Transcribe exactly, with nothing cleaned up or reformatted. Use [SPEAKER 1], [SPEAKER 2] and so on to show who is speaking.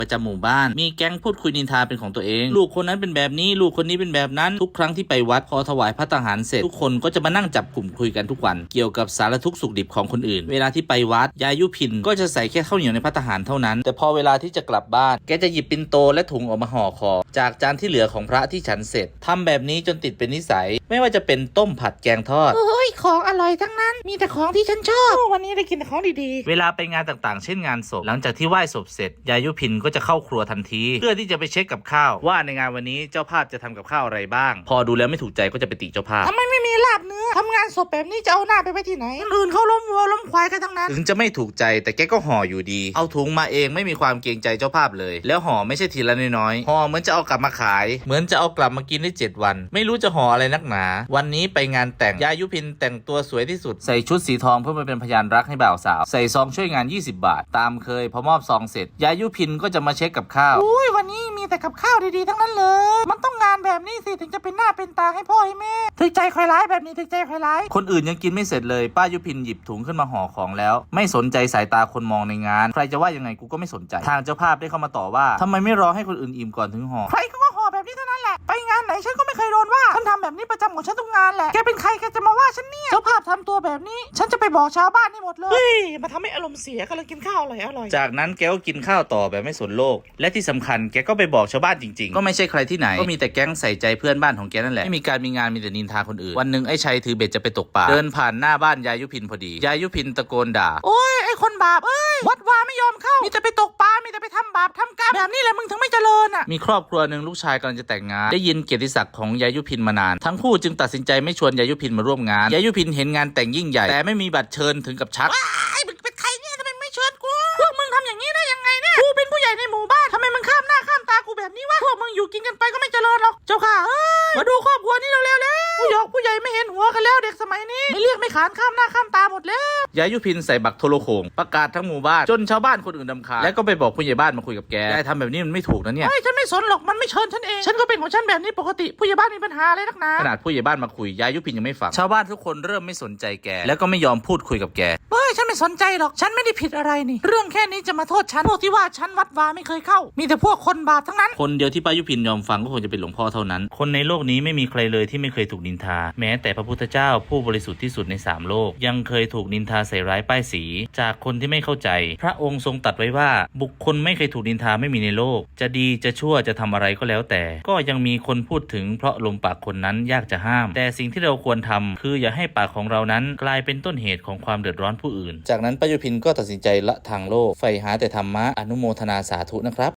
[SPEAKER 1] ประจำหมู่บ้านมีแก๊งพูดคุยนินทาเป็นของตัวเองลูกคนนั้นเป็นแบบนี้ลูกคนนี้เป็นแบบนั้นทุกครั้งที่ไปวัดพอถวายพระทหารเสร็จทุกคนก็จะมานั่งจับกลุ่มคุยกันทุกวันเกี่ยวกับสารทุกข์สุขดิบของคนอื่นเวลาที่ไปวัดยายยุพินก็จะใส่แค่ข้าวเหนียวในพระทหารเท่านั้นแต่พอเวลาที่จะกลับบ้านแกจะหยิบปิ่นโตและถุงออกมาห่อคอจากจานที่เหลือของพระที่ฉันเสร็จทำแบบนี้จนติดเป็นนิสัยไม่ว่าจะเป็นต้มผัดแกงทอด
[SPEAKER 2] โอ้ยของอร่อยทั้งนั้นมีแต่ของที่ฉันชอบวันนี้ได้กินแต่ของดี
[SPEAKER 1] ๆเวลาไปงานต่างๆเช่นงานศพหลังจากที่ไหว้ศพเสร็จยายยุพินก็จะเข้าครัวทันทีเพื่อที่จะไปเช็คกับข้าวว่าในงานวันนี้เจ้าภาพจะทำกับข้าวอะไรบ้างพอดูแล้วไม่ถูกใจก็จะไปติเจ้าภาพ
[SPEAKER 2] ทำไมไม่มีลาบเนื้อทำงานศพแบบนี้จะเอาหน้าไปไว้ที่ไหนคนอื่นเขาล้มวัวล้มควายกันทั้งนั้น
[SPEAKER 1] ถึงจะไม่ถูกใจแต่แกก็ห่ออยู่ดีเอาถุงมาเองไม่มีความเกรงใจเจ้าภาพเลยแล้วห่อไม่ใช่ทีละน้อยๆห่อเหมือนจะเอากลับมาขายเหมือนจะเอากลับมากินได้เจ็ดวันไม่รู้จะห่ออะไรนักหนาวันนี้ไปงานแต่งยายยุพินแต่งตัวสวยที่สุดใส่ชุดสีทองเพื่อมาเป็นพยานรักให้บ่าวสาวใส่ซองช่วยงานยี่สิบบาทตามเคยพอมอบซองเสร็จยายยุพินก็จะมาเช็คกับข้าว
[SPEAKER 2] อุ้ยวันนี้มีแต่กับข้าวดีๆทั้งนั้นเลยมันต้องงานแบบนี้สิถึงจะเป็นหน้าเป็นตาให้พ่อให้แม่ถึงใจใครร้ายแบบนี้ถึงใจใครร้าย
[SPEAKER 1] คนอื่นยังกินไม่เสร็จเลยป้ายุพินหยิบถุงขึ้นมาห่อของแล้วไม่สนใจสายตาคนมองในงานใครจะว่ายังไงกูก็ไม่สนใจทางเจ้าภาพได้เข้ามาต่อว่าทำไมไม่รอให้คนอื่นอิ่มก่อนถึงห่อ
[SPEAKER 2] ใครก็ห่อแบบนี้เท่านั้นแหละไปงานไหนฉันก็ไม่เคยโดนว่าฉันทำแบบนี้ประจำของฉันทุกงานแหละแกเป็นใครแกจะมาว่าฉันเนี่ยเจ้าภาพทำตัวแบบนี้ฉันจะไปบอกชาวบ้านนี่หมดเลยเฮ้ยมาทำให้อารมณ์เสียกำลังกินข้าวอร่อยอร่อย
[SPEAKER 1] จากนั้นแกก็กินข้าวต่อแบบไม่สนโลกและที่สำคัญแกก็ไปบอกชาวบ้านจริงๆก็ไม่ใช่ใครที่ไหนก็มีแต่แก๊งใส่ใจเพื่อนบ้านของแกนั่นแหละไม่มีการมีงานมีแต่นินทาคนอื่นวันหนึ่งไอ้ชัยถือเบ็ดจะไปตกปลาเดินผ่านหน้าบ้านยายยุพินพอดียายยุพินตะโกนด่า
[SPEAKER 2] โอ้ยไอ้คนบาปเอ้ยวัดวาไม่ยอมเข้ามีแต่ไปตกปลามีแต่ไปทำบาปทำกรรมแบบนี้แหละมึงถึงไม่เจริญอ่ะ
[SPEAKER 1] มีครอบครัวหนึ่งลูกชายกำลังจะแต่งงานได้ยินเกียรติศักดิ์ของยายยุพินมานานทั้งคู่จึงตัดสินใจไม่ชวนยายยุพินมาร่วมงานยายยุพินเห็นงานแต่งยิ่งใหญ่แต่ไม่มีบัตรเชิญถึงกับชัก
[SPEAKER 2] ไอ้มึงเป็นใครเนี่ยทำไมไม่เชิญกูพวกมึงทำอย่างนี้ได้ยังไงเนี่ยกูเป็นผู้ใหญ่ในหมู่บ้านทำไมมึงข้ามหน้าข้ามตากูแบบนี้วะพวกมึงอยู่กินกันไปก็ไม่เจริญหรอกเจ้าค่ะเอ้ยมาดูครอบครัวนี้เร็วๆแล้วผู้หยอกผู้ใหญ่ไม่เห็นหัวกันแล้วเด็กสมัยนี้ไม่เรียกไม่ขานข้ามหน้าข้ามตาหมดแล้ว
[SPEAKER 1] ยายยุพินใส่บักโทรโขงประกาศทั้งหมู่บ้านจนชาวบ้านคนอื่นรำคาญและก็ไปบอกผู้ใหญ่บ้านมาคุยกับแกยายทำแบบนี้มันไม่ถูกนะเนี่ย
[SPEAKER 2] ไม่ฉันไม่สนหรอกมันไม่เชิญฉันเองฉันก็เป็นของฉันแบบนี้ปกติผู้ใหญ่บ้านมีปัญหาอะไรนักหนา
[SPEAKER 1] ขนาดผู้ใหญ่บ้านมาคุยยายยุพินยังไม่ฟังชาวบ้านทุกคนเริ่มไม่สนใจแกแล้วก็ไม่ยอมพูดคุยกับแก
[SPEAKER 2] เฮ้ยฉันไม่สนใจหรอกฉันไม่ได้ผิดอะไรนี่เรื่องแค่นี้จะมาโทษฉันพวกที่ว่าฉันวัดวาไม่เคยเข้ามีแต่พวกคนบาปทั้งนั้น
[SPEAKER 1] คนเดียวที่ป้ายุพินยอมฟังก็คงจะเป็นหลวงพ่อเท่านั้นคนในโลกนี้ไม่มีใครเลยที่ไม่เคยถูกนินทาแม้แต่พระพุทธเจ้าผู้บริสุทธิ์ที่สุดในสามโลกยังเคยถูกนินทาใส่ร้ายป้ายสีจากคนที่ไม่เข้าใจพระองค์ทรงตรัสไว้ว่าบุคคลไม่เคยถูกนินทาไม่มีในโลกจะดีจะชั่วจะทำอะไรก็แล้วแต่ก็ยังมีคนพูดถึงเพราะลมปากคนนั้นยากจะห้ามแต่สิ่งที่เราควรทำคืออย่าให้ปากของเรานั้นกลายเป็นต้นเหตุของความเดือดร้อนผู้อื่นจากนั้นป้ายุพินก็ตัดสินใจละทางโลกใฝ่หาแต่ธรรมะอนุโมทนาสาธุนะครับ